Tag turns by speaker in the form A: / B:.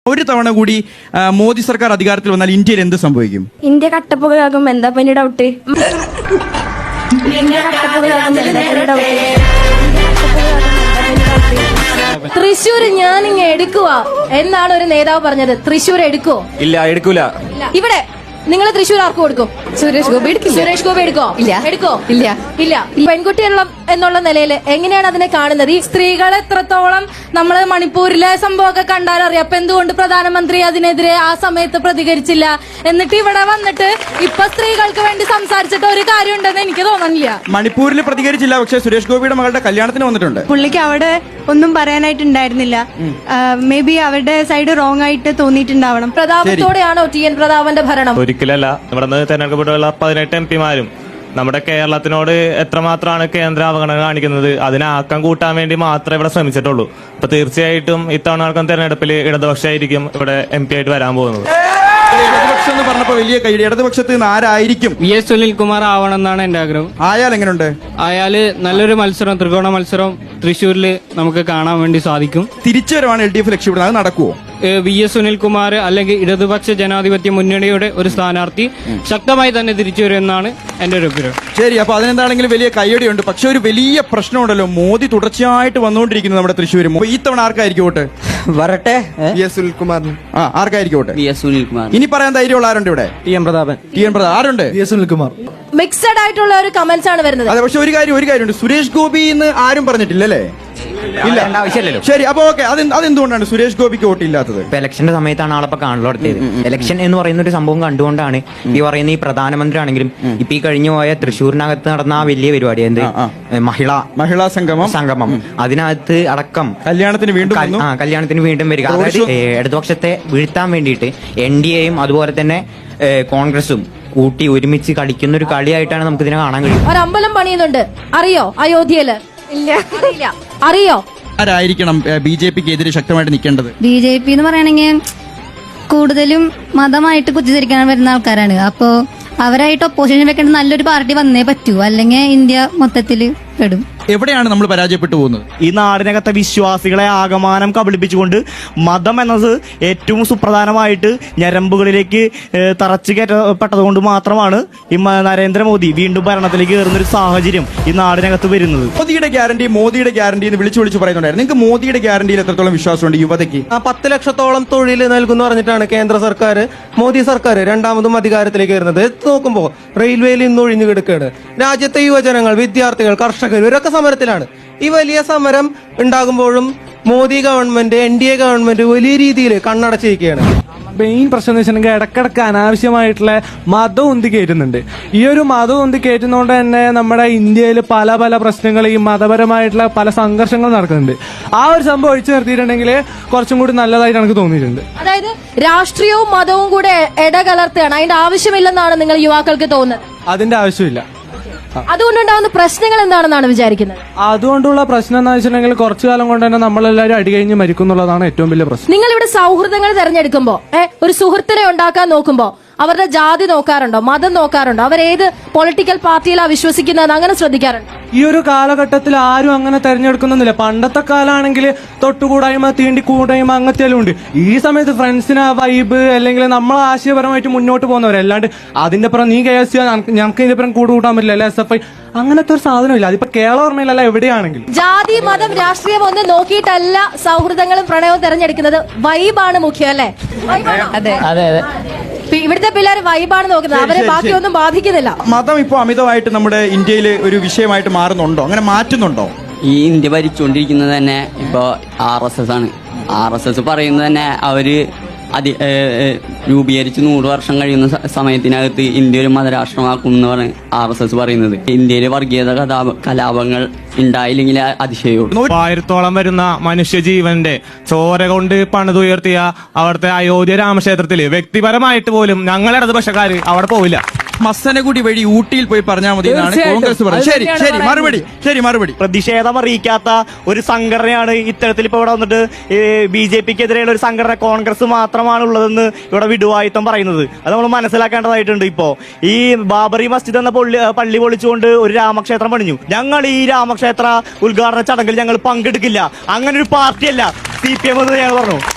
A: ഒരു തവണ കൂടി മോദി സർക്കാർ അധികാരത്തിൽ വന്നാൽ ഇന്ത്യയിൽ എന്ത് സംഭവിക്കും?
B: ഇന്ത്യ കട്ടപ്പുകയാകും. എന്താ പനി ഡൗട്ട്?
C: തൃശ്ശൂർ ഞാനിങ്ങ എടുക്കുക എന്നാണ് ഒരു നേതാവ് പറഞ്ഞത്. തൃശ്ശൂർ എടുക്കോ?
D: ഇല്ല, എടുക്കൂല.
C: ഇവിടെ നിങ്ങൾ തൃശ്ശൂർ ആർക്ക് കൊടുക്കും?
B: സുരേഷ് ഗോപി എടുക്കില്ല.
C: സുരേഷ് ഗോപി എടുക്കോ?
B: ഇല്ല.
C: എടുക്കോ?
B: ഇല്ല.
C: ഇല്ല. പെൺകുട്ടിയുള്ള എന്നുള്ള നിലയിൽ എങ്ങനെയാണ് അതിനെ കാണുന്നത്? ഈ സ്ത്രീകൾ എത്രത്തോളം നമ്മള് മണിപ്പൂരിലെ സംഭവമൊക്കെ കണ്ടാലറിയാം. അപ്പൊ എന്തുകൊണ്ട് പ്രധാനമന്ത്രി അതിനെതിരെ ആ സമയത്ത് പ്രതികരിച്ചില്ല? എന്നിട്ട് ഇവിടെ വന്നിട്ട് ഇപ്പൊ സ്ത്രീകൾക്ക് വേണ്ടി സംസാരിച്ചിട്ട് ഒരു കാര്യം ഉണ്ടെന്ന് എനിക്ക് തോന്നുന്നില്ല.
A: മണിപ്പൂരിൽ പ്രതികരിച്ചില്ല, പക്ഷേ സുരേഷ് ഗോപിയുടെ മകളുടെ കല്യാണത്തിന് വന്നിട്ടുണ്ട്.
E: പുള്ളിക്ക് അവിടെ ഒന്നും പറയാനായിട്ടുണ്ടായിരുന്നില്ല. മേ ബി അവരുടെ സൈഡ് റോങ് ആയിട്ട് തോന്നിയിട്ടുണ്ടാവണം.
C: പ്രതാപത്തോടെയാണോ ടി.എൻ. പ്രതാപന്റെ ഭരണം?
D: ഒരിക്കലല്ല. ഇവിടെ നിന്ന് തെരഞ്ഞെടുക്കപ്പെട്ടുള്ള 18 MP-മാരും നമ്മുടെ കേരളത്തിനോട് എത്രമാത്രമാണ് കേന്ദ്ര അവഗണന കാണിക്കുന്നത്, അതിനെ ആക്കം കൂട്ടാൻ വേണ്ടി മാത്രമേ ഇവിടെ ശ്രമിച്ചിട്ടുള്ളൂ. അപ്പൊ തീർച്ചയായിട്ടും ഇത്തവണ നടക്കുന്ന തെരഞ്ഞെടുപ്പിൽ ഇടതുപക്ഷമായിരിക്കും ഇവിടെ MP ആയിട്ട് വരാൻ പോകുന്നത്.
A: ഇടതുപക്ഷം എന്ന് പറഞ്ഞപ്പോ വലിയ കൈ. ഇടതുപക്ഷത്ത് നിന്ന് ആരായിരിക്കും?
F: VS സുനിൽകുമാർ ആവണം എന്നാണ് എന്റെ ആഗ്രഹം.
A: ആയാൽ എങ്ങനെയുണ്ട്?
F: അയാള് നല്ലൊരു മത്സരം, ത്രികോണ മത്സരം തൃശ്ശൂരിൽ നമുക്ക് കാണാൻ വേണ്ടി സാധിക്കും.
A: തിരിച്ചുവരവാണ് LDF ലക്ഷ്യമിടുന്നത്. അത് നടക്കുവോ?
F: VS സുനിൽകുമാർ അല്ലെങ്കിൽ ഇടതുപക്ഷ ജനാധിപത്യ മുന്നണിയുടെ ഒരു സ്ഥാനാർത്ഥി ശക്തമായി തന്നെ തിരിച്ചു വരുമെന്നാണ് എന്റെ ഒരു അഭിപ്രായം.
A: ശരി, അപ്പൊ അതിനെന്താണെങ്കിലും വലിയ കയ്യടിയുണ്ട്. പക്ഷെ ഒരു വലിയ പ്രശ്നമുണ്ടല്ലോ, മോദി തുടർച്ചയായിട്ട് വന്നുകൊണ്ടിരിക്കുന്നത് നമ്മുടെ തൃശ്ശൂർ. ഈ തവണ ആർക്കായിരിക്കും വോട്ട്?
G: വരട്ടെ.
A: VS സുനിൽകുമാറിന്. ആർക്കായിരിക്കും വോട്ട്?
G: VS സുനിൽകുമാർ.
A: ഇനി പറയാൻ ധൈര്യമുള്ള ആരുണ്ട് ഇവിടെ?
G: ടി.എൻ. പ്രതാപൻ.
A: ആരുണ്ട്?
G: VS സുനിൽകുമാർ.
C: മിക്സഡ് ആയിട്ടുള്ള ഒരു കമന്റ്സ് ആണ് വരുന്നത്.
A: അതെ, പക്ഷെ ഒരു കാര്യമുണ്ട്, സുരേഷ് ഗോപി എന്ന് ആരും പറഞ്ഞിട്ടില്ലല്ലേ? ഇല്ല,
G: ആവശ്യമില്ലല്ലോ.
A: ശരി, അപ്പൊ ഓക്കെ. അതെന്തുകൊണ്ടാണ് സുരേഷ് ഗോപിക്ക് വോട്ട് ഇല്ലാത്തത്?
G: ഇപ്പൊ ഇലക്ഷന്റെ സമയത്താണ് ആളപ്പോ കാണലോടത്തിയത്. ഇലക്ഷൻ എന്ന് പറയുന്ന ഒരു സംഭവം കണ്ടുകൊണ്ടാണ് ഈ പറയുന്ന ഈ പ്രധാനമന്ത്രി ആണെങ്കിലും ഇപ്പൊ ഈ കഴിഞ്ഞു പോയ തൃശ്ശൂരിനകത്ത് നടന്ന ആ വലിയ പരിപാടി, എന്ത് മഹിളാ സംഗമം, അതിനകത്ത് അടക്കം കല്യാണത്തിന് വീണ്ടും വരിക. അതായത് ഇടതുപക്ഷത്തെ വീഴ്ത്താൻ വേണ്ടിയിട്ട് NDA-യും അതുപോലെ തന്നെ കോൺഗ്രസും കൂട്ടി ഒരുമിച്ച് കളിക്കുന്ന ഒരു കളിയായിട്ടാണ് നമുക്ക് ഇതിനെ കാണാൻ കഴിയും.
C: ഒരു അമ്പലം പണിയുന്നുണ്ട്, അറിയോ? അയോധ്യയില്.
B: ഇല്ല.
C: അറിയോ?
A: ആരായിരിക്കണം BJP-ക്ക് എതിരെ ശക്തമായിട്ട് നിൽക്കേണ്ടത്?
H: BJP എന്ന് പറയുകയാണെങ്കിൽ കൂടുതലും മതമായിട്ട് കുത്തിത്തിരിക്കാൻ വരുന്ന ആൾക്കാരാണ്. അപ്പോ അവരായിട്ട് ഒപ്പോസിഷൻ വെക്കേണ്ട നല്ലൊരു പാർട്ടി വന്നേ പറ്റൂ, അല്ലെങ്കിൽ ഇന്ത്യ മൊത്തത്തില് പെടും.
A: എവിടെയാണ് നമ്മൾ പരാജയപ്പെട്ടു പോകുന്നത്?
D: ഈ നാടിനകത്തെ വിശ്വാസികളെ ആകമാനം കബളിപ്പിച്ചുകൊണ്ട് മതം എന്നത് ഏറ്റവും സുപ്രധാനമായിട്ട് ഞരമ്പുകളിലേക്ക് തറച്ചു കയറ്റപ്പെട്ടതുകൊണ്ട് മാത്രമാണ് ഈ നരേന്ദ്രമോദി വീണ്ടും ഭരണത്തിലേക്ക് കയറുന്ന ഒരു സാഹചര്യം ഈ നാടിനകത്ത് വരുന്നത്.
A: മോദിയുടെ ഗ്യാരണ്ടി എന്ന് വിളിച്ചു പറയുന്നുണ്ടായിരുന്നു. നിങ്ങൾക്ക് മോദിയുടെ ഗ്യാരണ്ടിയിൽ എത്രത്തോളം വിശ്വാസമുണ്ട് യുവതയ്ക്ക്?
I: 10 ലക്ഷത്തോളം തൊഴിൽ നൽകുന്നു പറഞ്ഞിട്ടാണ് കേന്ദ്ര സർക്കാർ, മോദി സർക്കാർ രണ്ടാമതും അധികാരത്തിലേക്ക് വരുന്നത്. നോക്കുമ്പോ റെയിൽവേയിൽ ഇന്ന് ഒഴിഞ്ഞു കിടക്കുകയാണ്. രാജ്യത്തെ യുവജനങ്ങൾ, വിദ്യാർത്ഥികൾ, കർഷകർ ഇവരൊക്കെ സമരത്തിലാണ്. ഈ വലിയ സമരം ഉണ്ടാകുമ്പോഴും മോദി ഗവൺമെന്റ്, NDA ഗവൺമെന്റ് വലിയ രീതിയിൽ കണ്ണടച്ചിരിക്കുകയാണ്.
J: മെയിൻ പ്രശ്നം എന്ന് വെച്ചിട്ടുണ്ടെങ്കിൽ ഇടക്കിടക്ക് അനാവശ്യമായിട്ടുള്ള മതം ഉന്തി കയറ്റുന്നുണ്ട്. ഈ ഒരു മതം ഉന്തി കയറ്റുന്നതുകൊണ്ട് തന്നെ നമ്മുടെ ഇന്ത്യയിൽ പല പല പ്രശ്നങ്ങൾ, ഈ മതപരമായിട്ടുള്ള പല സംഘർഷങ്ങൾ നടക്കുന്നുണ്ട്. ആ ഒരു സംഭവം ഒഴിച്ചു നിർത്തിയിട്ടുണ്ടെങ്കിൽ കുറച്ചും കൂടി നല്ലതായിട്ട് എനിക്ക് തോന്നിയിട്ടുണ്ട്.
C: അതായത് രാഷ്ട്രീയവും മതവും കൂടെ ഇടകലർത്തുകയാണ്. അതിന്റെ ആവശ്യമില്ലെന്നാണ് നിങ്ങൾ യുവാക്കൾക്ക് തോന്നുന്നത്?
J: അതിന്റെ ആവശ്യമില്ല.
C: അതുകൊണ്ടുണ്ടാവുന്ന പ്രശ്നങ്ങൾ എന്താണെന്നാണ് വിചാരിക്കുന്നത്?
J: അതുകൊണ്ടുള്ള പ്രശ്നം എന്ന് വെച്ചിട്ടുണ്ടെങ്കിൽ കുറച്ചു കാലം കൊണ്ട് തന്നെ നമ്മളെല്ലാവരും അടികഴിഞ്ഞ് മരിക്കും എന്നുള്ളതാണ് ഏറ്റവും വലിയ പ്രശ്നം.
C: നിങ്ങൾ ഇവിടെ സൗഹൃദങ്ങൾ തെരഞ്ഞെടുക്കുമ്പോ ഒരു സുഹൃത്തിനെ ഉണ്ടാക്കാൻ നോക്കുമ്പോ അവരുടെ ജാതി നോക്കാറുണ്ടോ? മതം നോക്കാറുണ്ടോ? അവരേത് പൊളിറ്റിക്കൽ പാർട്ടിയിലാണ് വിശ്വസിക്കുന്നത്? അങ്ങനെ ശ്രദ്ധിക്കാറുണ്ടോ?
J: ഈ ഒരു കാലഘട്ടത്തിൽ ആരും അങ്ങനെ തെരഞ്ഞെടുക്കുന്നില്ല. പണ്ടത്തെ കാലാണെങ്കിൽ തൊട്ടുകൂടായ്മ, തീണ്ടിക്കൂടായ്മ, അങ്ങനത്തെല്ലാം ഉണ്ട്. ഈ സമയത്ത് ഫ്രണ്ട്സിന് വൈബ് അല്ലെങ്കിൽ നമ്മൾ ആശയപരമായിട്ട് മുന്നോട്ട് പോകുന്നവരല്ലാണ്ട് അതിന്റെ പുറം നീ KSC ഞങ്ങൾക്ക് ഇതിന്റെ പുറം കൂട്ടാൻ പറ്റില്ല, അല്ലെ SFI, അങ്ങനത്തെ ഒരു സാധനമില്ല. അതിപ്പോ കേരള എവിടെയാണെങ്കിലും
C: ജാതി, മതം, രാഷ്ട്രീയം ഒന്നും നോക്കിയിട്ടല്ല സൗഹൃദങ്ങളും പ്രണയവും തെരഞ്ഞെടുക്കുന്നത്. വൈബാണ് മുഖ്യം, അല്ലേ?
G: അതെ.
C: ഇവിടുത്തെ പിള്ളേർ വൈബാണ് നോക്കുന്നത്, അവരെ ബാക്കിയൊന്നും ബാധിക്കുന്നില്ല.
A: മതം ഇപ്പൊ അമിതമായിട്ട് നമ്മുടെ ഇന്ത്യയിൽ ഒരു വിഷയമായിട്ട് മാറുന്നുണ്ടോ? അങ്ങനെ മാറ്റുന്നുണ്ടോ?
G: ഈ ഇന്ത്യ ഭരിച്ചുകൊണ്ടിരിക്കുന്നത് തന്നെ ഇപ്പൊ RSS ആണ്. RSS പറയുന്നത് തന്നെ അവര് രൂപീകരിച്ച് 100 വർഷം കഴിയുന്ന സമയത്തിനകത്ത് ഇന്ത്യ ഒരു മതരാഷ്ട്രമാക്കും എന്നാണ് RSS പറയുന്നത്. ഇന്ത്യയിൽ വർഗീയത കലാപങ്ങൾ ഉണ്ടായില്ലെങ്കിൽ അതിശയോട്
D: 1000-ഓളം വരുന്ന മനുഷ്യജീവന്റെ ചോര കൊണ്ട് പണിതുയർത്തിയ അവിടുത്തെ അയോധ്യ രാമക്ഷേത്രത്തില് വ്യക്തിപരമായിട്ട് പോലും ഞങ്ങൾ ഇടതുപക്ഷക്കാര് അവിടെ പോവില്ല.
A: മസനഗുഡി വഴി ഊട്ടിയിൽ പോയി പറഞ്ഞാൽ മതി എന്നാണ് കോൺഗ്രസ് പറയുന്നത്. ശരി, മറുപടി.
D: പ്രതിഷേധം അറിയിക്കാത്ത ഒരു സംഘടനയാണ് ഇത്തരത്തിൽ ഇപ്പൊ ഇവിടെ വന്നിട്ട് BJP-ക്കെതിരെയുള്ള ഒരു സംഘടന കോൺഗ്രസ് മാത്രമാണ് ഉള്ളതെന്ന് ഇവിടെ വിടുവായുത്തം പറയുന്നത്. അത് നമ്മൾ മനസ്സിലാക്കേണ്ടതായിട്ടുണ്ട്. ഇപ്പോ ഈ ബാബറി മസ്ജിദ് എന്ന പള്ളി പൊളിച്ചുകൊണ്ട് ഒരു രാമക്ഷേത്രം പണിഞ്ഞു. ഞങ്ങൾ ഈ രാമക്ഷേത്ര ഉദ്ഘാടന ചടങ്ങിൽ ഞങ്ങൾ പങ്കെടുക്കില്ല. അങ്ങനെ ഒരു പാർട്ടിയല്ല CPM എന്ന് ഞങ്ങൾ പറഞ്ഞു.